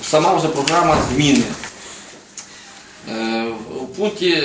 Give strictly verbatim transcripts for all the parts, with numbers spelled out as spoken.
сама вже програма зміни. У пункті,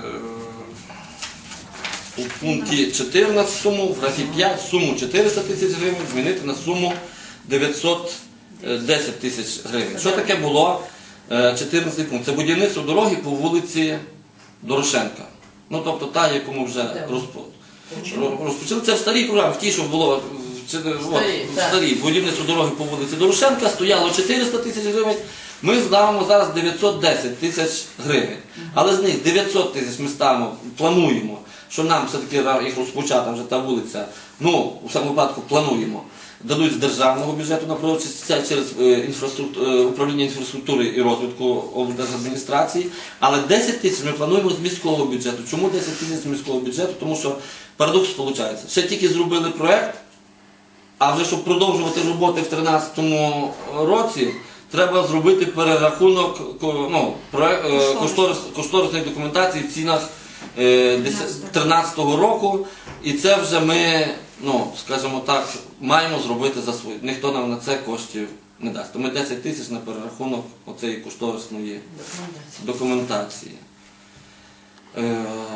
у пункті чотирнадцятому в графі п'ять суму чотириста тисяч гривень змінити на суму дев'ятсот десять тисяч гривень. Що таке було чотирнадцятий пункт? Це будівництво дороги по вулиці Дорошенка. Ну, тобто та, яку ми вже розпочали. Це в старій програмі, в тій, що було в старій будівництво дороги по вулиці Дорошенка, стояло чотириста тисяч гривень. Ми ставимо зараз дев'ятсот десять тисяч гривень. Але з них дев'ятсот тисяч ми ставимо, плануємо, що нам все-таки їх розпочати, вже та вулиця, ну, у всякому випадку плануємо, дадуть з державного бюджету на проводці, це через управління інфраструктури і розвитку облдержадміністрації. Але десять тисяч ми плануємо з міського бюджету. Чому десять тисяч з міського бюджету? Тому що парадокс виходить. Ще тільки зробили проєкт, а вже щоб продовжувати роботи в дві тисячі тринадцятому році, треба зробити перерахунок ну, кошторис, кошторисної документації в цінах дві тисячі тринадцятого року. І це вже ми, ну, скажімо так, маємо зробити за свої. Ніхто нам на це коштів не дасть. То ми десять тисяч на перерахунок оцеї кошторисної документації. Е,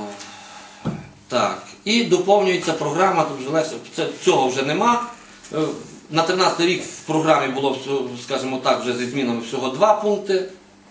так. І доповнюється програма, тут вже легше, це, цього вже нема. На тринадцятий рік в програмі було, скажімо так, вже зі змінами всього два пункти.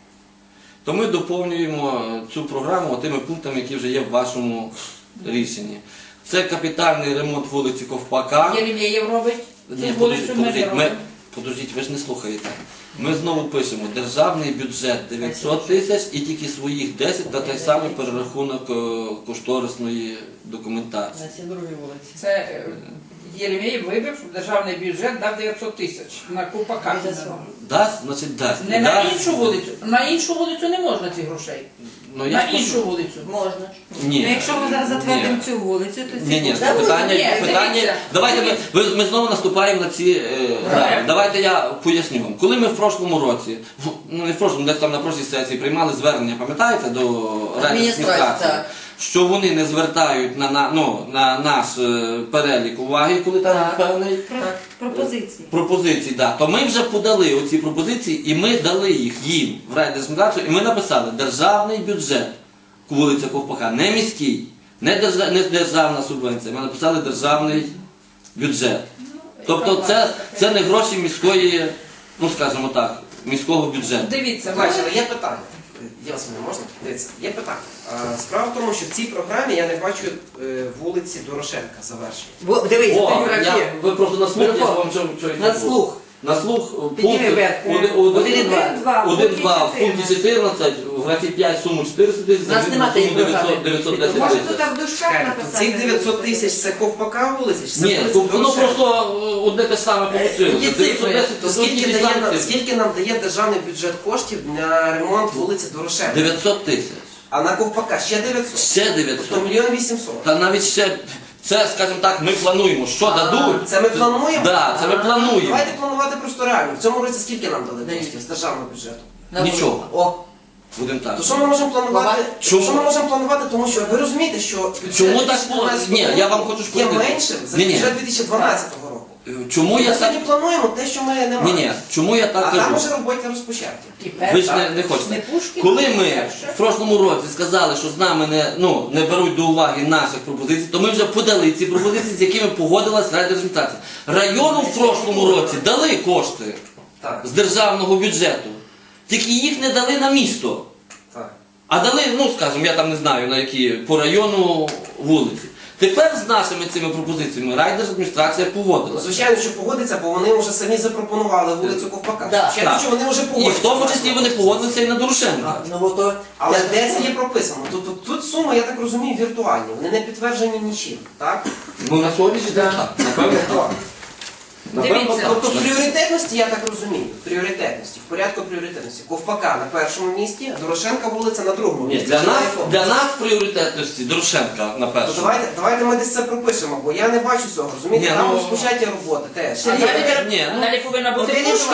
То ми доповнюємо цю програму тими пунктами, які вже є в вашому рішенні. Це капітальний ремонт вулиці Ковпака. Єремєєв робить? Ні, подождіть, подождіть, ми, подождіть, ви ж не слухаєте. Ми знову пишемо, державний бюджет дев'ятсот тисяч і тільки своїх десять на той самий перерахунок кошторисної документації. На другій вулиці. Це Єремєєв вибив, що державний бюджет дав дев'ятсот тисяч на Ковпака. Дасть, значить дасть. Не на іншу вулицю. На іншу вулицю не можна цих грошей. Ну, на іншу вулицю можна. Ні. Ну, якщо ми зараз затвердимо цю вулицю, то ці... Ні, ні, Да, питання, ні, питання, дивіться. давайте ми, ви- ми знову наступаємо на ці е, грани. Давайте я поясню вам. Коли ми в прошлому році, ну не в прошлому, десь там на прошлій сесії приймали звернення, пам'ятаєте, до райадміністрації, що вони не звертають на, на, ну, на наш е, перелік уваги, коли там Так. певний Про- пропозиції. пропозиції, да, то ми вже подали оці пропозиції і ми дали їх їм в райдержадміністрацію, і ми написали державний бюджет вулиця Ковпака, не міський, не, держа, не державна субвенція, ми написали державний бюджет. Тобто це, це не гроші міської, ну скажімо так, міського бюджету. Дивіться, Бачите, є питання. Я вас мене можна? Дивіться, є питання. А, Справа в тому, що в цій програмі я не бачу е, вулиці Дорошенка завершені. Дивись, О, я, ви просто на слух, я вам що, що на слух. На слух Підніми вверх. Один-два. один-два в пункті чотирнадцять, в графі п'ять суму чотириста тисяч, У нас на нема суму такої програми. дев'ятсот десять Може тисяч. тут так в дужках Чекайте, написати? Цих дев'ятсот тисяч це Ковпака вулиця? Чи це Ні, вулиця воно Дорошенка? просто одне те саме получилося. Які цифри? То скільки, дає, нам- скільки нам дає державний бюджет коштів на ремонт вулиці Дорошенка? дев'ятсот тисяч. А на Ковпака ще дев'ятсот? Ще Тобто дев'ятсот. мільйон вісімсот. Та навіть ще, це, скажімо так, ми плануємо. Що дадуть? Це ми плануємо? Так, це ми плануємо. Давайте планувати просто реально. В цьому році скільки нам дали коштів з державного бюджету? Нічого. О, Будемо так. то що ми можемо планувати? Чому? Що ми можемо планувати, тому що ви розумієте, що бюджет Чому так дві тисячі дванадцятого було? Ні, я вам хочу є сказати. меншим за Ні-ні. бюджет дві тисячі дванадцятого року. Чому Ми я так... сьогодні плануємо те, що ми не маємо. Ні, ні, чому я так А там кажу? вже роботи розпочаті. Ви ж не, не хочете. Коли ми в прошлому році сказали, що з нами не, ну, не беруть до уваги наших пропозицій, то ми вже подали ці пропозиції, з якими погодилась райдержадміністрація. Району в прошлому році дали кошти Так, з державного бюджету, тільки їх не дали на місто. так. А дали, ну скажімо, я там не знаю на які, по району вулиці. Тепер з нашими цими пропозиціями райдержадміністрація погодилася. Звичайно, що погодиться, бо вони вже самі запропонували вулицю Ковпака. Да. Звичайно, Так. що вони вже І погодилися. в тому числі вони погодилися і на Дорошенка. Ну, бо то... Але де це є прописано? Тут, тут, тут суми, я так розумію, віртуальні. Вони не підтверджені нічим. Так? Ну на сьогоднішній день так. Напевно, так. Напевно, Дивіться, так. Тобто в пріоритетності, я так розумію, в пріоритетності, в порядку пріоритетності. Ковпака на першому місці, Дорошенка вулиця на другому Ні, місці. для Чи на нас, якому? для нас в пріоритетності Дорошенка на То першому. давайте, давайте ми десь це пропишемо, бо я не бачу цього, розумієте? Ні, Там ну- розпочаті роботи теж. А Ні, далі, ні, ну, далі повинна бути Один і Пушкіна. два.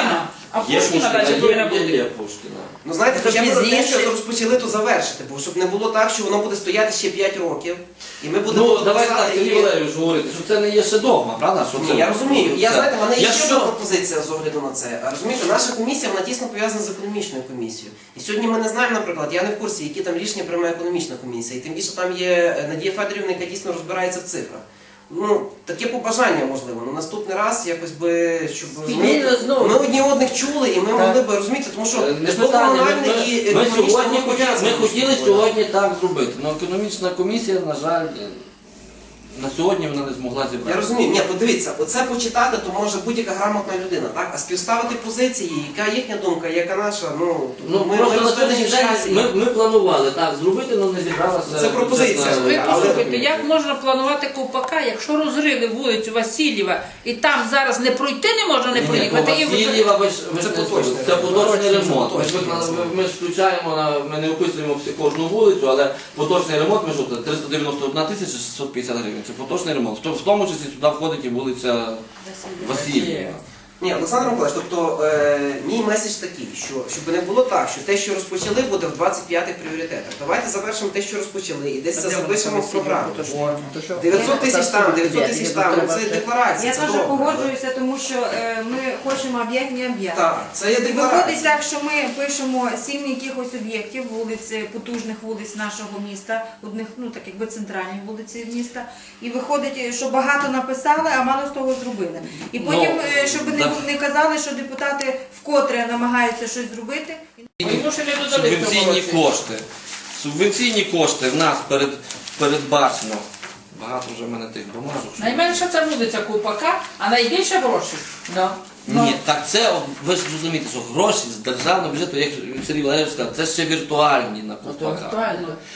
А Є Пушкіна Пушкіна, далі повинна є, є, бути. є Пушкіна. Ну знаєте, Тобто хоча б те, пізніше- що розпочали, то завершити, бо щоб не було так, що воно буде стояти ще п'ять років, і ми будемо Ну, давайте так, писати, Сергій і- Валерійович говорити, що це не є ще догма, правда? Що це- Ні, я розумію. Я це- знаєте, в мене є ще Якщо- одна пропозиція з огляду на це. А розумієте, наша комісія вона тісно пов'язана з економічною комісією. І сьогодні ми не знаємо, наприклад, я не в курсі, які там рішення приймає економічна комісія. І тим більше там є Надія Федорівна, яка дійсно розбирається в цифрах. Ну, таке побажання можливо. Ну наступний раз якось би, щоб Спільно знову. ми одні одних чули, і ми могли би розуміти, тому що Е, Не житлово питання, ми, комунальне ми, і ми, економічне сьогодні, воно пов'язане ми між хотіли собою. сьогодні так зробити, але економічна комісія, на жаль, на сьогодні вона не змогла Я зібрати. розумію, ні, подивіться, оце почитати, то може будь-яка грамотна людина, так? А співставити позиції, яка їхня думка, яка наша, ну, Ну, ми, просто ми на сьогоднішній розповідаємо день часі. ми, ми планували так зробити, але не зібралася. Це пропозиція. бюджетна- Ви Але- послухайте, як можна планувати ковпака, якщо розрили вулицю Васильєва і там зараз не пройти не можна не Ні, проїхати. ні, і по ви- Васильєва ви ж ви Це ж не поточний слухайте, це ремонт. поточний Це ремонт. Ми ж поточний виклали- ремонт. Ми ж включаємо, на- ми не описуємо всі кожну вулицю, але поточний ремонт, ми що, це триста дев'яносто одна тисяча шістсот п'ятдесят гривень. Це поточний ремонт. В то- В тому числі сюди входить і вулиця Васильєва. Ні, Олександр Миколаївич, тобто е, мій меседж такий, що щоб не було так, що те, що розпочали, буде в двадцять п'ятих пріоритетах. Давайте завершимо те, що розпочали, і десь це запишемо в програму. дев'ятсот тисяч там, дев'ятсот тисяч там, ну це декларація, Я це теж добре. погоджуюся, тому що е, ми хочемо об'єкт, не об'єкт. Так, це є І виходить декларація. так, що ми пишемо сім якихось об'єктів, вулиць, потужних вулиць нашого міста, одних, ну так якби центральні вулиці міста. І виходить, що багато написали, а мало з того зробили. І потім, Ну, е, щоб не, да. не казали, що депутати вкотре намагаються щось зробити. Йому ще не додали в цьому Субвенційні році. кошти. Субвенційні кошти в нас перед, передбачено. Багато вже в мене тих бумажок. що- Найменша це вулиця Ковпака, а найбільше грошей. Да. Ні, так це, от, ви ж розумієте, що гроші з державного бюджету, як Сергій Валерійович сказав, це ще віртуальні на ковпаках.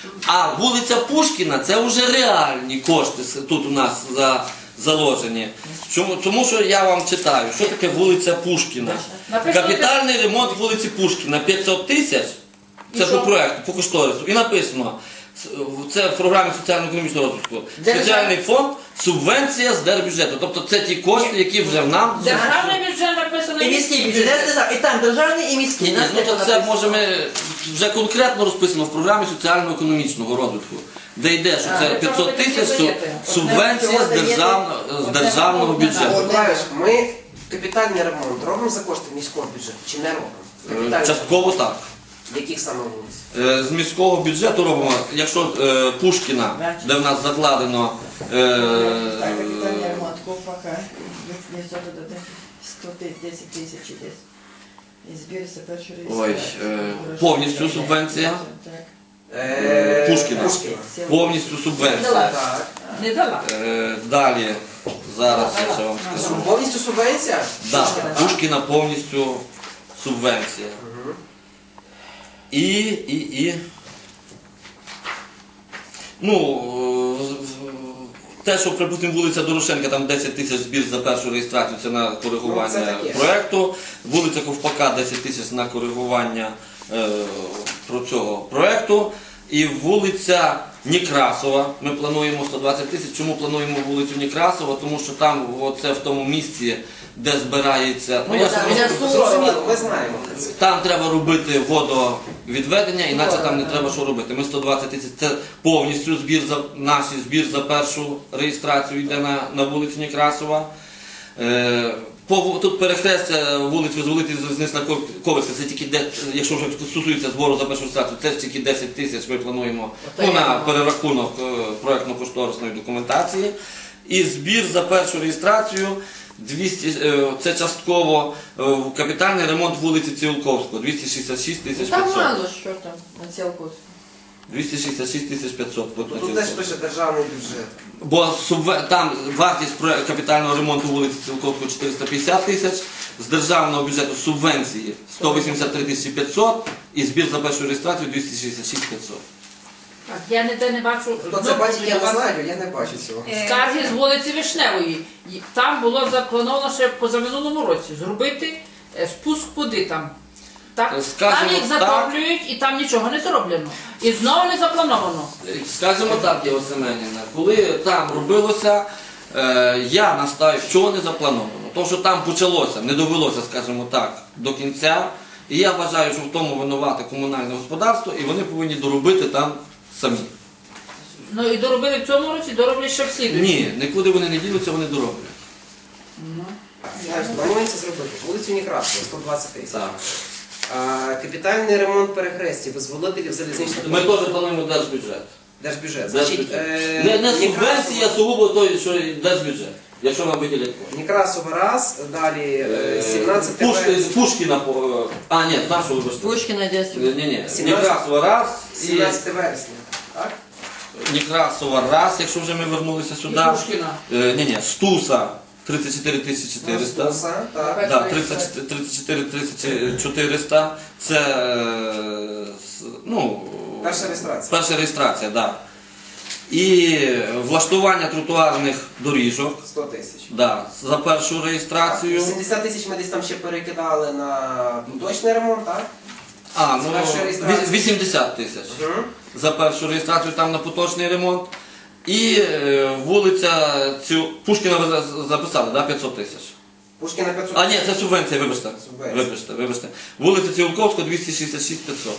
А вулиця Пушкіна це вже реальні кошти с- тут у нас за, заложені. Чому? Тому що я вам читаю, що таке вулиця Пушкіна. Написано, Капітальний ремонт вулиці Пушкіна п'ятсот тисяч, це І по що? проекту, по кошторису. І написано, с- це в програмі соціально-економічного розвитку. Спеціальний фонд, субвенція з держбюджету. Тобто це ті кошти, які вже нам Державний бюджет написано І міський бюджет, я сказав, і там державний, і Ні, міський. ні, Нас ну теж то це написано. може ми вже конкретно розписано в програмі соціально-економічного розвитку, де йде, що А, це ви п'ятсот чого тисяч ви суб- даєте? субвенція з Одне чого державного, з Одне державного чого бюджету. Миколаївич, ми капітальний ремонт робимо за кошти міського бюджету чи не робимо? Е, Капітальний Частково так. ремонт. Яких саме вулиць? Е, З міського бюджету робимо, якщо е, Пушкіна, де в нас закладено е, Так, капітальний ремонт ковпака, дев'ятсот додати сто десять тисяч десь. І збір за першу ой, реєстрацію. е, повністю субвенція, Так. Е, Пушкіна. Пушкіна. повністю субвенція. Так. Не дала. Е, Далі, зараз я ще вам скажу. Повністю субвенція? Да, Пушкіна. Пушкіна повністю субвенція. Мгм. І, і, і. Ну, е, те, що, припустимо, вулиця Дорошенка, там десять тисяч збір за першу реєстрацію, це на Ну, коригування це таке. проєкту. Вулиця Ковпака десять тисяч на коригування е, про цього проєкту. І вулиця Некрасова, ми плануємо сто двадцять тисяч. Чому плануємо вулицю Некрасова? Тому що там, оце в тому місці, де збирається. Ну, я ж просто- Зрозуміло, ми знаємо. там треба робити водовідведення, іначе там не треба що робити. Ми сто двадцять тисяч, це повністю збір за наш збір за першу реєстрацію йде на, на вулицю Некрасова. Е, по, ву- тут перехрестя вулиць Визволителів Залізнична Ковицька, це тільки де, якщо вже стосується збору за першу реєстрацію, це ж тільки десять тисяч ми плануємо ну, на перерахунок е, проєктно-кошторисної документації. І збір за першу реєстрацію двісті, е, це частково е, капітальний ремонт вулиці Цілковського, двісті шістдесят шість тисяч Там п'ятсот. мало що там на цілку. двісті шістдесят шість тисяч п'ятсот. от на Тут теж Цілковського. пише державний бюджет. Бо субве- там вартість проє- капітального ремонту вулиці Цілковського чотириста п'ятдесят тисяч, з державного бюджету субвенції сто вісімдесят три тисячі п'ятсот і збір за першу реєстрацію двісті шістдесят шість п'ятсот. Так, я ніде не бачу. Хто це знову бачить, я до не вас знаю, я не бачу цього. Е, Скарги з вулиці Вишневої. І Там було заплановано ще позаминулому році зробити е, спуск води там. Так? Е, скажімо Там їх так. затоплюють і там нічого не зроблено. І знову не заплановано. Скажімо так, Єва Семенівна, коли там робилося, е, я настаю, чого не заплановано. Тому що там почалося, не довелося, скажімо так, до кінця. І я вважаю, що в тому винувате комунальне господарство, і вони повинні доробити там самі. Ну і доробили в цьому році, дороблять ще в слідуючому. Ні, нікуди вони не ділються, вони дороблять. Знаєш, планується зробити. Вулицю Некрасова, сто двадцять тисяч. Так. А, капітальний ремонт перехрестів, визволителів залізничних Ми теж плануємо держбюджет. Держбюджет. Значить, Держбюджет. е, Не, не Некрасова- субвенція, сугубо той, що і держбюджет, якщо нам виділять кошти. Некрасова раз, далі е, сімнадцять Пушки, вересня. Пушкіна, по- а ні, нашого вибачте. Пушкина детство. Ні, ні, сімнадцять Некрасова раз і сімнадцяте вересня. Так? Некрасова раз, якщо вже ми вернулися І сюди. Пушкіна. Е, ні, ні, Стуса тридцять чотири тисячі чотириста. Стуса, так. Да, тридцять чотири тисячі чотириста. Це е, с- ну, Перша реєстрація. перша реєстрація, так. Да. І влаштування тротуарних доріжок. сто тисяч. Да, за першу реєстрацію. сімдесят тисяч ми десь там ще перекидали на точний ремонт, так? А, З ну першої реєстрації. вісімдесят тисяч. Угу. За першу реєстрацію там на поточний ремонт. І е, вулиця цю Пушкіна ви за- записали, да, п'ятсот тисяч. Пушкіна п'ятсот. А ні, це субвенція, вибачте. Субвенція. Вибачте, вибачте. Вулиця Цілковського двісті шістдесят шість п'ятсот.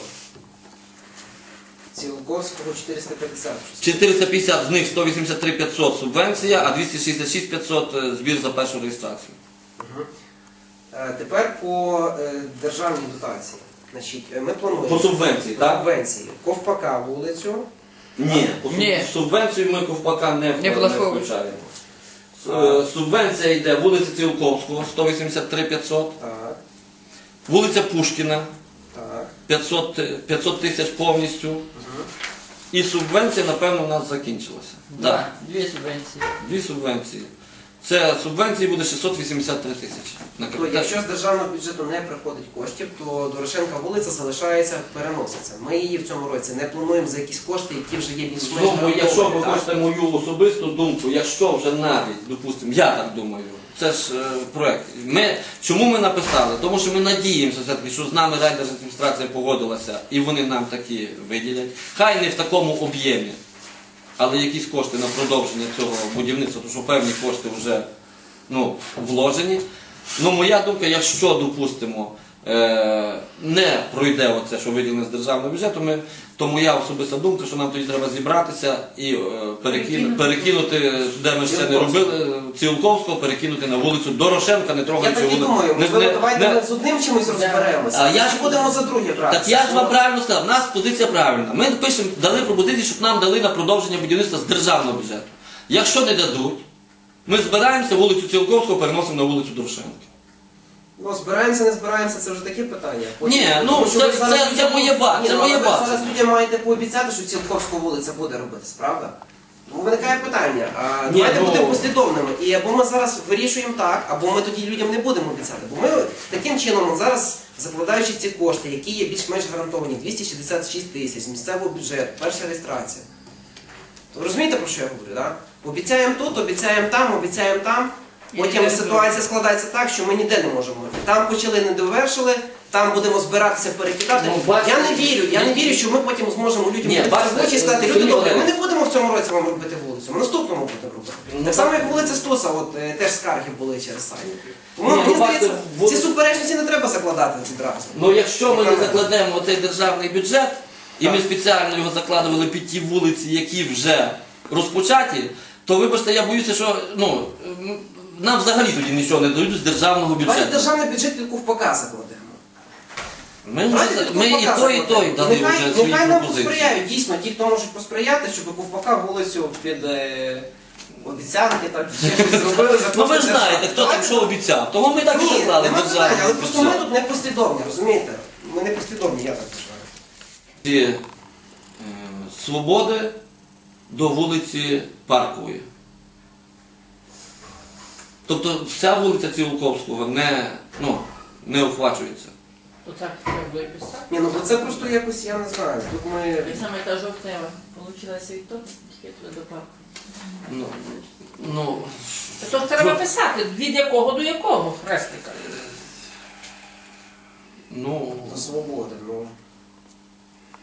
Цілковського чотириста п'ятдесят. чотириста п'ятдесят з них сто вісімдесят три п'ятсот субвенція, а двісті шістдесят шість п'ятсот е, збір за першу реєстрацію. Угу. Е, тепер по е, державній дотації. Значить, е, ми плануємо По субвенції, так? субвенції. Ковпака вулицю. Ні, по суб- Ні. субвенцію ми ковпака не, Не не влаштовуємо. включаємо. С- е, Субвенція йде вулиця Цілковського сто вісімдесят три п'ятсот, Так, вулиця Пушкіна так. п'ятсот, е, п'ятсот тисяч повністю. Угу. І субвенція, напевно, у нас закінчилася. Да, дві субвенції. Дві субвенції. Це субвенції буде шістсот вісімдесят три тисячі. На То капіталь. якщо з державного бюджету не приходить коштів, то Дорошенка вулиця залишається, переноситься. Ми її в цьому році не плануємо за якісь кошти, які вже є більш-менш Ну, якщо ви гарантовані, так? хочете мою особисту думку, якщо вже навіть, допустимо, я так думаю, це ж е, проект. Ми, чому ми написали? Тому що ми надіємося все-таки, що з нами райдержадміністрація погодилася і вони нам такі виділять. Хай не в такому об'ємі, але якісь кошти на продовження цього будівництва, тому що певні кошти вже ну, вложені. Ну, моя думка, якщо, допустимо, е, не пройде оце, що виділено з державного бюджету, ми, то моя особиста думка, що нам тоді треба зібратися і е, перекину, перекинути, де ми ще не робили, Цілковського, перекинути на вулицю Дорошенка, не Я трогаючи так і вулицю. думаю, Не- можливо, не- давайте не- ми з одним чимось розберемося. А я ж- Чи будемо за друге брати? Так я ж вам правильно сказав, у нас позиція правильна. Ми пишемо, дали пропозицію, щоб нам дали на продовження будівництва з державного бюджету. Якщо не дадуть, ми збираємося, вулицю Цілковського переносимо на вулицю Дорошенка. Ну, збираємося, не збираємося, це вже таке питання. Ні, ну, Тому що це- ви зараз це- це людям- моє ба- Ні, це ну, моє але ви бачення. зараз людям маєте пообіцяти, що Цілковська вулиця буде робитись, правда? Тому виникає питання, а Ні, давайте ну- будемо послідовними. І або ми зараз вирішуємо так, або ми тоді людям не будемо обіцяти. Бо ми таким чином зараз, закладаючи ці кошти, які є більш-менш гарантовані, двісті шістдесят шість тисяч з місцевого бюджету, перша реєстрація. Ви розумієте, про що я говорю, так? Обіцяємо тут, обіцяємо там, обіцяємо там. Потім ситуація складається так, що ми ніде не можемо. Там почали, не довершили, там будемо збиратися, перекидати. Ну, бачите, я не вірю, я не ні. вірю, що ми потім зможемо людям Ні, прийти бачите, в очі і сказати, люди Сергій добрі, ми Валерійович. не будемо в цьому році вам робити вулицю, ми наступному будемо робити. Ну, Так само, так. як вулиця Стуса, от е, теж скарги були через сайт. Тому Ні, мені ну, здається, бачите, вулиця- ці суперечності не треба закладати відразу. Ну якщо ми не Правильно. закладемо цей державний бюджет, і ми Так. спеціально його закладували під ті вулиці, які вже розпочаті, то вибачте, я боюся, що ну, м, нам взагалі тоді нічого не дають з державного Давайте бюджету. державний бюджет під ковпака закладемо. Ми, вже, Давайте за- під ми і ковпака той, і той закладемо. дали Нехай- вже свої Нехай нам пропозиції. посприяють, дійсно, ті, хто можуть посприяти, щоб ковпака вулицю під е, обіцянки, так, ще щось зробили. за Ну ви ж кошти знаєте, держави. хто там Давайте що обіцяв. Того ми так і Ні, заклали нема питань, державний але просто ми бюджет. тут не послідовні, розумієте? Ми не послідовні, я так вважаю. Ці, е, Свободи до вулиці Паркової. Тобто вся вулиця Цілковського не, ну, не охвачується. То так треба було і писати. Ні, ну бо це просто якось, я не знаю. Тут ми... Так само та жовтнева. Получилася від того, тільки туди до парку. Ну, ну, То треба писати, від якого до якого хрестика. ну, До свободи, ну.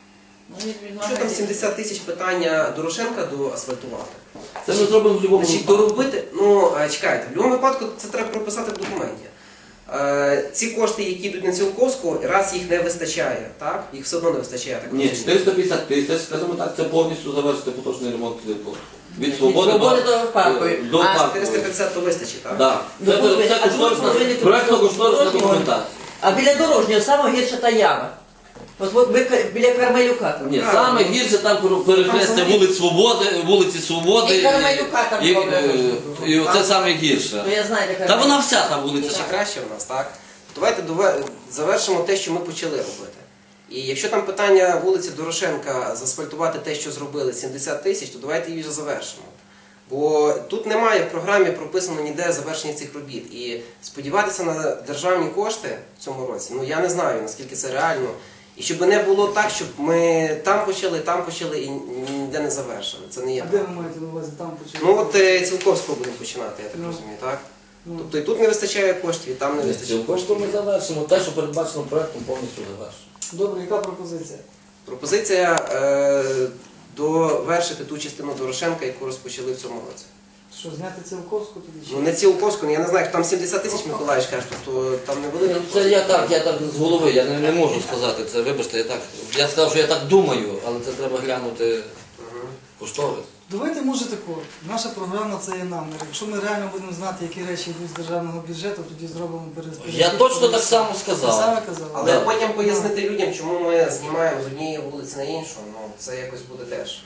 Ну, від- від Що там магазину. сімдесят тисяч питання Дорошенка доасфальтувати? Це ми зробимо в будь-якому Значить, випадку. доробити, ну е, чекайте, в будь-якому випадку це треба прописати в документі. Е, Ці кошти, які йдуть на Цілковську, раз їх не вистачає, так? Їх все одно не вистачає, я так Ні, розумію. чотириста п'ятдесят тисяч, скажімо так, це повністю завершити поточний ремонт Цілковського. Від Від свободи «Свободи» до, до Паркової. до А Паркової. чотириста п'ятдесят то вистачить, так? Да. До Це, Паркової. це А тут кошторисна, повинні проєктно-кошторисна дорожнього. документація. А біля дорожнього саме гірша та яма. От, от ми ка- біля Кармелюка там. Ні, саме гірше там перехрестя вулиць Свободи, вулиці Свободи. І Кармелюка там і, добре. і, і це саме гірше. Ну я знаю, де Та Кармелюк. вона вся та Це вулиця. ще краще в нас, так? Давайте дове- завершимо те, що ми почали робити. І якщо там питання вулиці Дорошенка заасфальтувати те, що зробили, сімдесят тисяч, то давайте її вже завершимо. Бо тут немає в програмі прописано ніде завершення цих робіт. І сподіватися на державні кошти в цьому році, ну я не знаю, наскільки це реально. І щоб не було так, щоб ми там почали, там почали і ніде не завершили. Це не є. А де ви маєте на увазі там почати? Ну от е, Цілковського будемо починати, я так Ну. розумію, так? Ну. Тобто і тут не вистачає коштів, і там не вистачає Цілковського коштів. ми завершимо. Те, що передбачено проєктом, повністю завершимо. Добре, яка пропозиція? Пропозиція е, довершити ту частину Дорошенка, яку розпочали в цьому році. Що, зняти Цілковську тоді? чи? Ну не Цілковську, я не знаю, там сімдесят тисяч Миколаївич каже, тобто там не велика. Ну, Це я так, я так з голови, я не, не можу сказати це, вибачте, я так. Я сказав, що я так думаю, але це треба глянути кошторис. Давайте, може тако, наша програма це є намір. Якщо ми реально будемо знати, які речі йдуть з державного бюджету, тоді зробимо перерозподіл. Я точно так само Ви сказав. саме казали. Але Да. потім пояснити людям, чому ми знімаємо з однієї вулиці на іншу, ну це якось буде теж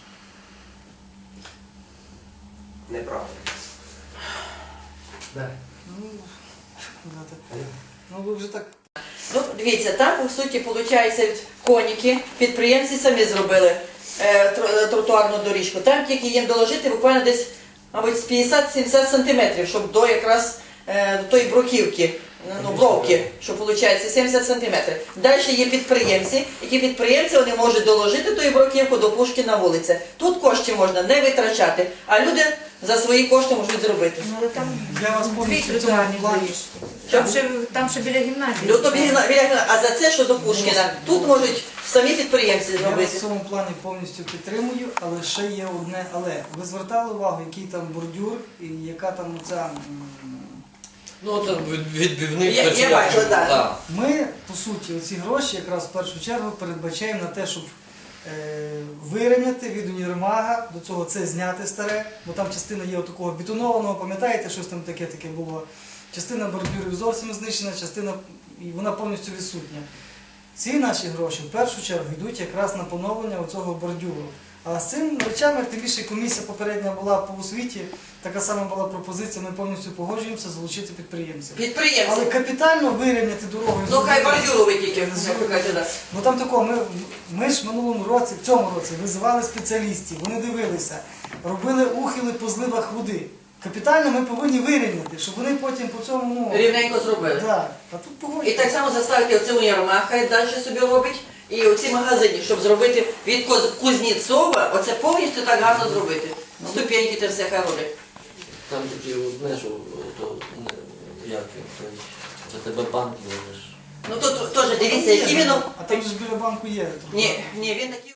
неправильно. Ну, знаєте, ну ви вже так. Ну, дивіться, там, по суті, виходить, коніки, підприємці самі зробили е, тро- тротуарну доріжку. Там тільки їм доложити буквально десь, мабуть, з п'ятдесят-сімдесят сантиметрів, щоб до якраз е, до тої бруківки, ну, бровки, що виходить сімдесят сантиметрів. Далі є підприємці, які підприємці вони можуть доложити ту бруківку до Пушкіна вулиці. Тут коштів можна не витрачати, а люди за свої кошти можуть зробити. Ну, але там Я вас дві повністю в цьому тротуарні плані. доріжки. Там ще, там ще біля гімназії. Ну, то біля- біля- а за це, що до Пушкіна, тут можуть самі підприємці Я вас зробити. в цьому плані повністю підтримую, але ще є одне але. Ви звертали увагу, який там бордюр і яка там оця... м, Ну, це від- відбивний Я- я перчик. бачила, так. Так. Ми, по суті, оці гроші якраз в першу чергу передбачаємо на те, щоб е, вирівняти від універмага, до цього це зняти старе, бо там частина є такого бетонованого, пам'ятаєте, щось там таке таке було. Частина бордюрів зовсім знищена, частина і вона повністю відсутня. Ці наші гроші в першу чергу йдуть якраз на поновлення оцього бордюру. А з цими речами, тим більше комісія попередня була по освіті, така сама була пропозиція, ми повністю погоджуємося залучити підприємців. Підприємці. Але капітально вирівняти дорогу. і Ну, хай зробити- бордюру ви тільки, як кажете, да. Бо там такого, ми, ми ж в минулому році, в цьому році, визивали спеціалістів, вони дивилися, робили ухили по зливах води. Капітально ми повинні вирівняти, щоб вони потім по цьому, ну, Рівненько зробили. да. А тут І погоджуємо. так само заставити оце універмаг, хай далі собі робить. І оці магазини, щоб зробити від Коз- Кузнєцова, оце повністю так гарно зробити. Ступеньки те все хай роблять. Там такі, знаєш, то, як він, той, за тебе банк везеш. Ну тут теж дивіться, які він... А там же ж біля банку є. Ні, ні, він такий...